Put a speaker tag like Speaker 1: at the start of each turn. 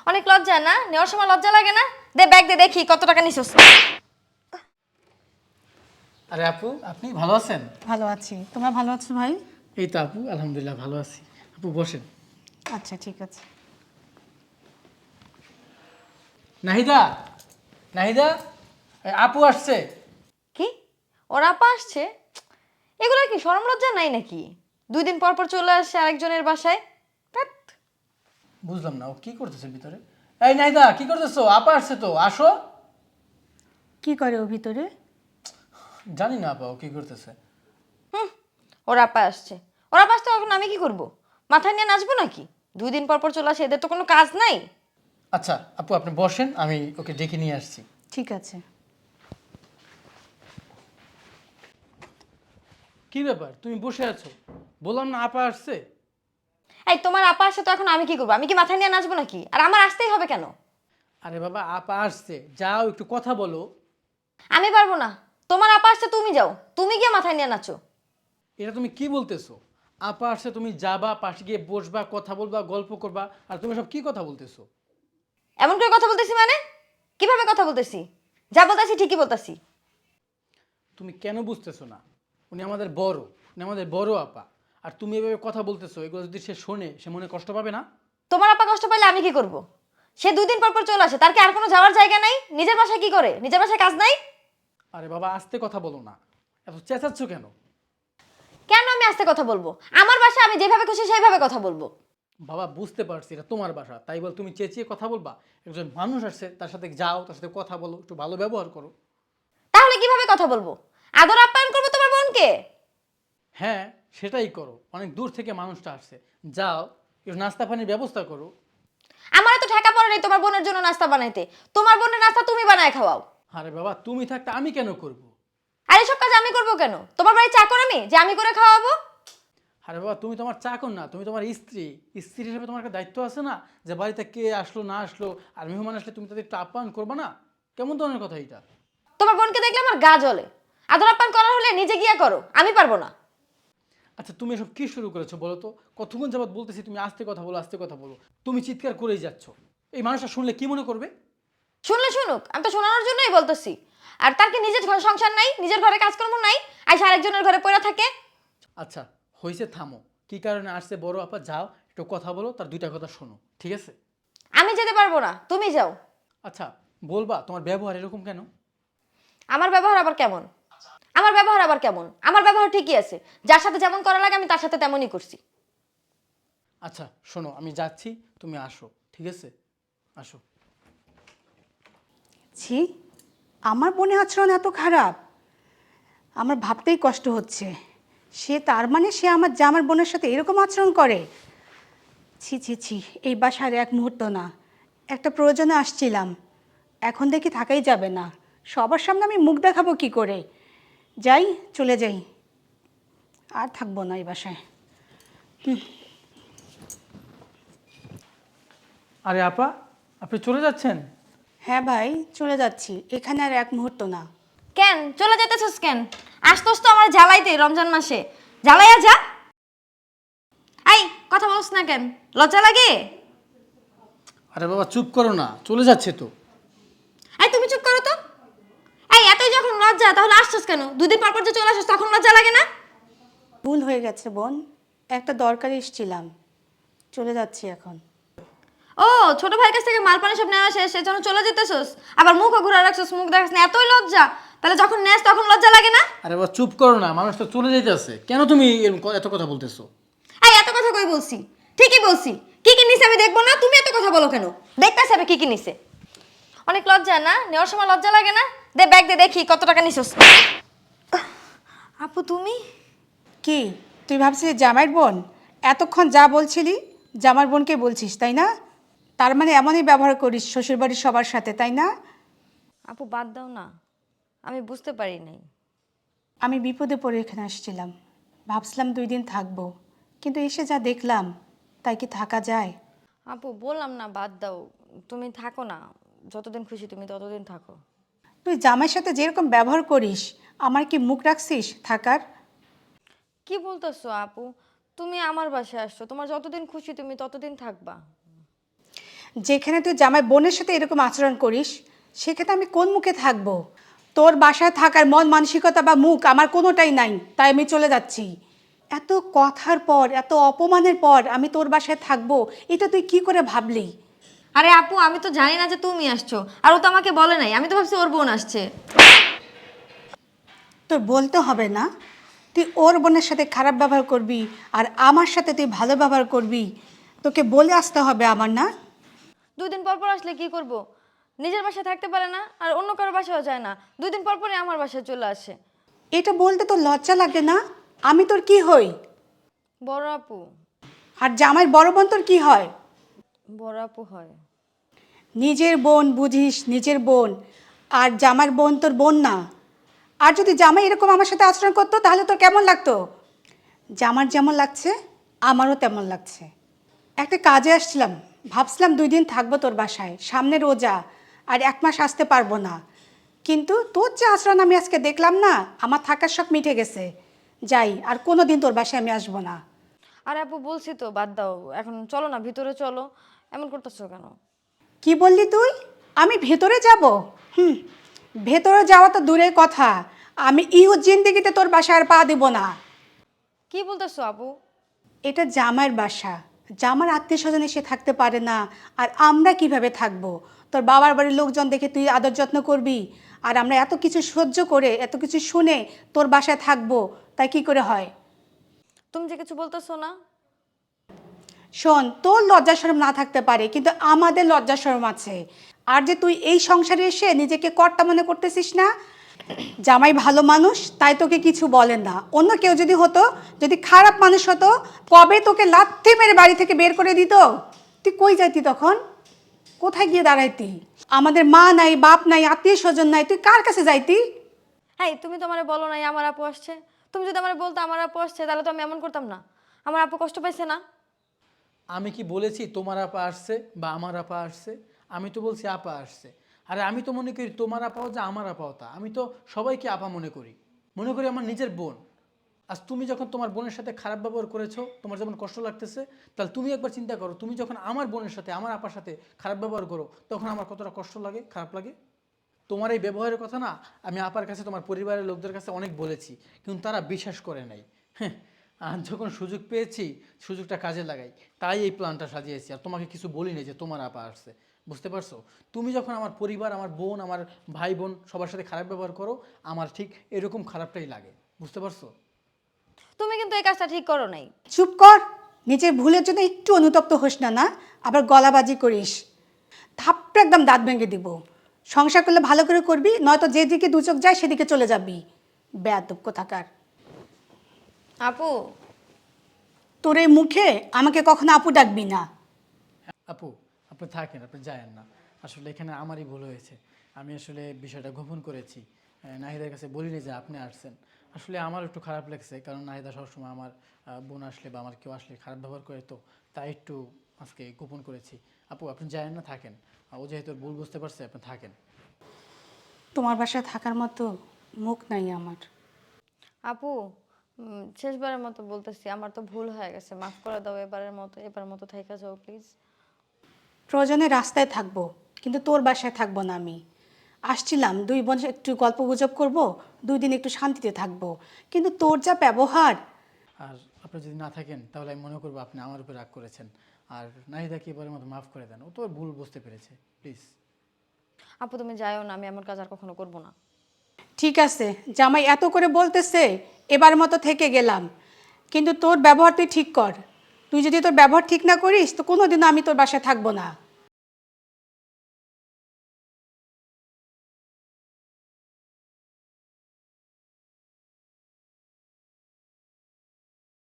Speaker 1: অনেক লজ্জা না? নেওয়ার সময় লজ্জা লাগে না? দে ব্যাগ দে, দেখি কত টাকা নিছিস।
Speaker 2: আরে আপু, আপনি ভালো আছেন?
Speaker 3: ভালো আছি। তোমরা ভালো আছো ভাই?
Speaker 2: এই তো আপু, আলহামদুলিল্লাহ ভালো আছি। আপু বসেন।
Speaker 3: আচ্ছা ঠিক আছে।
Speaker 2: নাহিদা, নাহিদা, এই আপু আসছে।
Speaker 1: কি? ওর আপা আসছে? এগুলো কি শরম লজ্জা নাই নাকি? 2 দিন পর পর চলে আসে আরেকজনের বাসায়। ধ্যাৎ।
Speaker 2: বুঝলাম না ও কি করতেছে ভিতরে। এই নাহিদা, কি করতেছো? আপা আসছে তো, আসো।
Speaker 3: কি করে ও ভিতরে?
Speaker 2: জানি না আপা ও কি করতেছে।
Speaker 1: ওর আপা আসছে। ওর আপা আসতে এখন আমি কি করব? মাথায় নিয়ে নাচবো নাকি? 2 দিন পর পর চলে আসে, এদের তো কোনো কাজ নাই।
Speaker 2: আচ্ছা আপু, আপনি বসেন, আমি ওকে ডেকে নিয়ে আসছি।
Speaker 3: ঠিক আছে।
Speaker 2: কি ব্যাপার, তুমি বসে আছো? বললাম না আপা আসছে।
Speaker 1: এই তোমার আপা আসে তো এখন আমি কি করবো? আমি কি মাথায় নিয়ে নাচবো নাকি? আর আমার আসতেই হবে কেন?
Speaker 2: আরে বাবা, আপা আসছে, যাও একটু কথা বলো।
Speaker 1: আমি পারবো না। তোমার আপা আসছে, তুমি যাও। তুমি গিয়ে মাথায় নিয়ে নাচো।
Speaker 2: এটা তুমি কি বলতেছো? আপা আসছে, তুমি যাবা, পাশে গিয়ে বসবা, কথা বলবা, গল্প করবা, আর তুমি সব কি কথা বলতেছো?
Speaker 1: এমন করে কথা বলতেছি মানে? কিভাবে কথা বলতেছি? যা বলতেছি ঠিকই বলতেছি।
Speaker 2: তুমি কেন বুঝতেছো না? উনি আমাদের বড়, উনি আমাদের বড় আপা। আর তুমি এভাবে কথা বলতেছো, এগুলো যদি সে শোনে, সে মনে কষ্ট পাবে না?
Speaker 1: তোমার আপা কষ্ট পাইলে আমি কি করব? সে 2 দিন পর পর চলে আসে, তার কি আর কোনো যাওয়ার জায়গা নাই? নিজের বাসায় কি করে? নিজের বাসায় কাজ নাই?
Speaker 2: আরে বাবা, আস্তে কথা বলো না, এত চেঁচাচ্ছ কেন?
Speaker 1: কেন আমি আস্তে কথা বলবো? আমার বাসায় আমি যেভাবে খুশি সেইভাবে কথা বলবো।
Speaker 2: বাবা বুঝতে পারছি এটা তোমার বাসা, তাই বল তুমি চেঁচিয়ে কথা বলবা? একজন মানুষ আসছে, তার সাথে যাও, তার সাথে কথা বলো, একটু ভালো ব্যবহার করো।
Speaker 1: তাহলে কিভাবে কথা বলবো? আদর আপ্যায়ন করবো তোমার বোনকে?
Speaker 2: হ্যাঁ, সেটাই করো, অনেক দূর থেকে মানুষটা আসছে। যাও, একটু নাস্তা পানির ব্যবস্থা করো।
Speaker 1: আমার তো ঠেকা পড়ে নেই তোমার বোনের জন্য নাস্তা বানাইতে। তোমার বোনের নাস্তা তুমি বানায় খাওয়াও।
Speaker 2: আরে বাবা, তুমি থাকতে আমি কেন করব?
Speaker 1: আর এসব কাজ আমি করবো কেন? তোমার বাড়ি চাকর আমি যে আমি করে খাওয়াবো?
Speaker 2: আরে বাবা, তুমি তোমার চাকর না, তুমি তোমার স্ত্রী। স্ত্রী হিসেবে তোমার একটা দায়িত্ব আছে না, যে বাড়িতে কে আসলো না আসলো, আর মেহমান আসলে তুমি তাদের একটু আপ্যায়ন করবে না? কেমন ধরনের কথা এটা?
Speaker 1: তোমার বোনকে দেখলে আমার গা জ্বলে। আদর আপ্যায়ন করার হলে নিজে গিয়া করো, আমি পারবো না।
Speaker 2: আচ্ছা, তুমি এসব কি শুরু করেছো বলো তো? কতক্ষণ যাবত বলতেছি তুমি আস্তে কথা বলো, আস্তে কথা বলো, তুমি চিৎকার করেই যাচ্ছ। এই মানুষটা শুনলে কি মনে করবে?
Speaker 1: শুনলে শুনুক, আমি তো শোনানোর জন্যই বলতেছি। আর তার কি নিজের ঘর সংসার নাই? নিজের ঘরে কাজকর্ম নাই? আইসা আরেকজনের ঘরে পড়ে থাকে?
Speaker 2: আচ্ছা, হয়েছে, থামো। কি কারণে আসছে বড় আপা, যাও একটু কথা বলো, তার দুইটা কথা শোনো, ঠিক আছে?
Speaker 1: আমি যেতে পারবো না, তুমি যাও।
Speaker 2: আচ্ছা, বলবা তোমার ব্যবহার এরকম কেন?
Speaker 1: আমার ব্যবহার আবার কেমন? আমার ব্যবহার আবার কেমন? আমার ব্যবহার ঠিকই আছে। যার সাথে যেমন করা লাগে আমি তার সাথে তেমনই করছি।
Speaker 2: আচ্ছা শোনো, আমি যাচ্ছি, তুমি আসো, ঠিক আছে? আসো।
Speaker 3: ছি, আমার বোনের আচরণ এত খারাপ? আমার ভাবতেই কষ্ট হচ্ছে। সে তার মানে সে আমার বোনের সাথে এরকম আচরণ করে? ছি ছি ছি, এই বাসার এক মুহূর্ত না। একটা প্রয়োজনে আসছিলাম, এখন দেখি থাকাই যাবে না। সবার সামনে আমি মুখ দেখাবো কি করে? যাই, চলে যাই, আর থাকবো না এই বাসায়।
Speaker 2: আরে আপা, আপনি চলে যাচ্ছেন?
Speaker 3: হ্যাঁ ভাই, চলে যাচ্ছি, এখানে আর এক মুহূর্ত না।
Speaker 1: কেন চলে যেতেছস কেন? আসতোস তো আমার জ্বালাইতে রমজান মাসে। জ্বালাইয়া যা। এই কথা বলছ না কেন? লজ্জা লাগে?
Speaker 2: আরে বাবা চুপ করো না, চলে যাচ্ছে তো।
Speaker 1: এই তুমি চুপ করো তো। এই এতই যখন লজ্জা তাহলে আসছস কেন? 2 দিন পর পর যে চলে আসছস তখন লজ্জা লাগে না?
Speaker 3: ভুল হয়ে গেছে বোন, একটা দরকারে এসেছিলাম, চলে যাচ্ছি এখন।
Speaker 1: ও ছোট ভাইয়ের কাছ থেকে মাল পানি সব নেওয়া শেষ, সেজন্য চলে যেতেছস? আবার মুখও ঘুরে রাখছস, মুখ দেখাস না, এতই লজ্জা? তাহলে যখন নেস তখন লজ্জা লাগে না?
Speaker 2: আরে বাবা চুপ করো না, মানুষ তো চলে যাইতেছে, কেন তুমি এত কথা বলতেছো?
Speaker 1: এই এত কথা কই বলছি? ঠিকই বলছি। কি কি নিছে আমি দেখবো না? তুমি এত কথা বলো কেন? দেখতেছি আমি কি কি নিছে। অনেক লজ্জা না? নেওয়ার সময় লজ্জা লাগে না? দে ব্যাগ দে, দেখি কত টাকা নিছস। আপু তুমি?
Speaker 3: কি, তুই ভাবছিস জামাইয়ের বোন? এতক্ষণ যা বলছিলি জামার বোনকে বলছিস তাই না? তার মানে এমনই ব্যবহার করিস শ্বশুরবাড়ির সবার সাথে তাই না?
Speaker 1: আপু বাদ দাও না, আমি বুঝতে পারি নাই।
Speaker 3: আমি বিপদে পড়ে এখানে আসছিলাম, ভাবছিলাম 2 দিন থাকবো, কিন্তু এসে যা দেখলাম, তাই কি থাকা যায়?
Speaker 1: আপু বললাম না বাদ দাও, তুমি থাকো না। যতদিন খুশি তুমি ততদিন থাকো।
Speaker 3: তুই জামাইয়ের সাথে যেরকম ব্যবহার করিস, আমার কি মুখ রাখছিস থাকার?
Speaker 1: কি বলতেছো আপু? তুমি আমার বাসায় আসছো, তোমার যতদিন খুশি তুমি ততদিন থাকবা।
Speaker 3: যেখানে তুই জামাই বোনের সাথে এরকম আচরণ করিস সেখানে আমি কোন মুখে থাকবো? তোর বাসায় থাকার মন মানসিকতা বা মুখ আমার কোনোটাই নাই, তাই আমি চলে যাচ্ছি। এত কথার পর, এত অপমানের পর আমি তোর বাসায় থাকবো, এটা তুই কি করে ভাবলি?
Speaker 1: আরে আপু, আমি তো জানি না যে তুমি আসছো, আর ও তো আমাকে বলে নাই, আমি তো ভাবছি ওর বোন আসছে।
Speaker 3: তোর বলতে হবে না, তুই ওর বোনের সাথে খারাপ ব্যবহার করবি আর আমার সাথে তুই ভালো ব্যবহার করবি, তোকে বলে আসতে হবে আমার, না?
Speaker 1: 2 দিন পর পর আসলে কি করব? নিজের বাসায় থাকতে পারে না, আর অন্য কারো বাসায়ও যায় না, 2 দিন পর পরে আমার বাসায় চলে আসে।
Speaker 3: এটা বলতে তোর লজ্জা লাগে না? আমি তোর কি হই?
Speaker 1: বড় আপু।
Speaker 3: আর জামাইয়ের বড় বোন তোর কি হয়?
Speaker 1: বড় আপু হয়।
Speaker 3: নিজের বোন বুঝিস, নিজের বোন, আর জামাইয়ের বোন তোর বোন না। আর যদি জামাই এরকম আমার সাথে আচরণ করতো তাহলে তোর কেমন লাগতো? জামার যেমন লাগছে আমারও তেমন লাগছে। একটা কাজে আসছিলাম, ভাবছিলাম 2 দিন থাকবো তোর বাসায়, সামনে রোজা, আর 1 মাস আসতে পারবো না। কিন্তু তোর যে আচরণ আমি আজকে দেখলাম না, আমার থাকার শখ মিটে গেছে। যাই, আর কোনো দিন তোর বাসায় আমি আসবো না।
Speaker 1: আরে আপু, বলছি তো বাদ দাও, এখন চলো না, ভিতরে চলো। এমন করতেছো কেন?
Speaker 3: কি বললি তুই? আমি ভেতরে যাব? ভেতরে যাওয়া তো দূরের কথা, আমি ইহু জিন্দেগিতে তোর বাসায় আর পা দিব না।
Speaker 1: কি বলতেছো আপু?
Speaker 3: এটা জামাইয়ের বাসা, জামার আত্মীয় স্বজন এসে থাকতে পারে না, আর আমরা কিভাবে থাকবো? তোর বাবার বাড়ির লোকজন দেখে তুই আদর যত্ন করবি, আর আমরা এত কিছু সহ্য করে, এত কিছু শুনে তোর বাসায় থাকবো, তাই কি করে হয়?
Speaker 1: তুমি যে কিছু বলতেছো না।
Speaker 3: শোন, তোর লজ্জা শরম না থাকতে পারে, কিন্তু আমাদের লজ্জা শরম আছে। আর যে তুই এই সংসারে এসে নিজেকে কর্তা মনে করতেছিস না, জামাই ভালো মানুষ তাই তোকে কিছু বলেন না। অন্য কেউ যদি হতো, যদি খারাপ মানুষ হতো, কবে তোকে লাথি মেরে বাড়ি থেকে বের করে দিত? তুই কই যাইতি তখন? কোথায় গিয়ে দাঁড়াইতি? আমাদের মা নাই, বাপ নাই, আত্মীয় স্বজন নাই, তুই কার কাছে যাইতি?
Speaker 1: হ্যাঁ, তুমি তো আমারে বলো নাই আমার আপু আসছে। তুমি যদি আমারে বলতো আমার আপু আসছে, তাহলে তো আমি এমন করতাম না। আমার আপু কষ্ট পাইছে না?
Speaker 2: আমি কি বলেছি তোমার আপা আসছে বা আমার আপা আসছে? আমি তো বলছি আপা আসছে। আরে আমি তো মনে করি তোমার আপাও যে আমার আপাও তা। আমি তো সবাইকে আপা মনে করি, মনে করি আমার নিজের বোন। আজ তুমি যখন তোমার বোনের সাথে খারাপ ব্যবহার করেছো, তোমার যেমন কষ্ট লাগতেছে, তাহলে তুমি একবার চিন্তা করো, তুমি যখন আমার বোনের সাথে, আমার আপার সাথে খারাপ ব্যবহার করো, তখন আমার কতটা কষ্ট লাগে, খারাপ লাগে। তোমার এই ব্যবহারের কথা না আমি আপার কাছে, তোমার পরিবারের লোকদের কাছে অনেক বলেছি, কিন্তু তারা বিশ্বাস করে নাই। হ্যাঁ, আর যখন সুযোগ পেয়েছি, সুযোগটা কাজে লাগাই, তাই এই প্ল্যানটা সাজিয়েছি। আর তোমাকে কিছু বলিনি যে তোমার আপা আসছে, বুঝতে পারছো? তুমি যখন আমার পরিবার, আমার বোন, আমার ভাই বোন সবার সাথে খারাপ ব্যবহার করো, আমার ঠিক এরকম খারাপটাই লাগে, বুঝতে পারছো?
Speaker 1: তুমি কিন্তু এই কাজটা ঠিক করো নাই।
Speaker 3: চুপ কর, নিজের ভুলের জন্য একটু অনুতপ্ত হোস না, না আবার গলাবাজি করিস। থাপ্পড়ে একদম দাঁত ভেঙে দিব। সংসার করলে ভালো করে করবি, নয়তো যেদিকে দু চোখ যায় সেদিকে চলে যাবি। বেয়াদব কোথাকার।
Speaker 1: আপু।
Speaker 3: তোর এই মুখে আমাকে কখনো আপু ডাকবি না।
Speaker 2: আপু, আপনি থাকেন, আপনি যায়েন না। আসলে এখানে আমারই ভুল হয়েছে। আমি আসলে বিষয়টা গোপন করেছি, নাহিদার কাছে বলিনি যে আপনি আসছেন। আসলে আমার একটু খারাপ লাগছে, কারণ নাহিদা সবসময় আমার বোন আসলে বা আমার কেউ আসলে খারাপ ব্যবহার করে, তো তাই একটু আজকে গোপন করেছি। আপু, আপনি যায়েন না, থাকেন। ও যেহেতু ওর ভুল বুঝতে পারছে, আপনি থাকেন।
Speaker 3: তোমার বাসায় থাকার মতো মুখ নাই আমার।
Speaker 1: আপু, শেষবারের মতো বলতেছি, আমার তো ভুল হয়ে গেছে, মাফ করে দাও। এবার মতো থাইকা যাও প্লিজ।
Speaker 3: প্রয়োজনে রাস্তায় থাকবো, কিন্তু তোর বাসায় থাকবো না আমি। আসছিলাম 2 বোন একটু গল্প গুজব করবো, 2 দিন একটু শান্তিতে থাকবো, কিন্তু তোর যা ব্যবহার।
Speaker 2: আর আপনি যদি না থাকেন তাহলে আমি মনে করবো আপনি আমার উপর রাগ করেছেন। আর নাহিদাকে এবারের মতো মাফ করে দেন, ও তো ওর ভুল বুঝতে পেরেছে, প্লিজ।
Speaker 1: আপু, তুমি যাইও না, আমি এমন কাজ আর কখনো করবো না।
Speaker 3: ঠিক আছে, জামাই এত করে বলতেছে, এবার মতো থেকে গেলাম, কিন্তু তোর ব্যবহার তুই ঠিক কর। তুই যদি তোর ব্যবহার ঠিক না করিস তো কোনোদিনও আমি তোর বাসায় থাকবো না।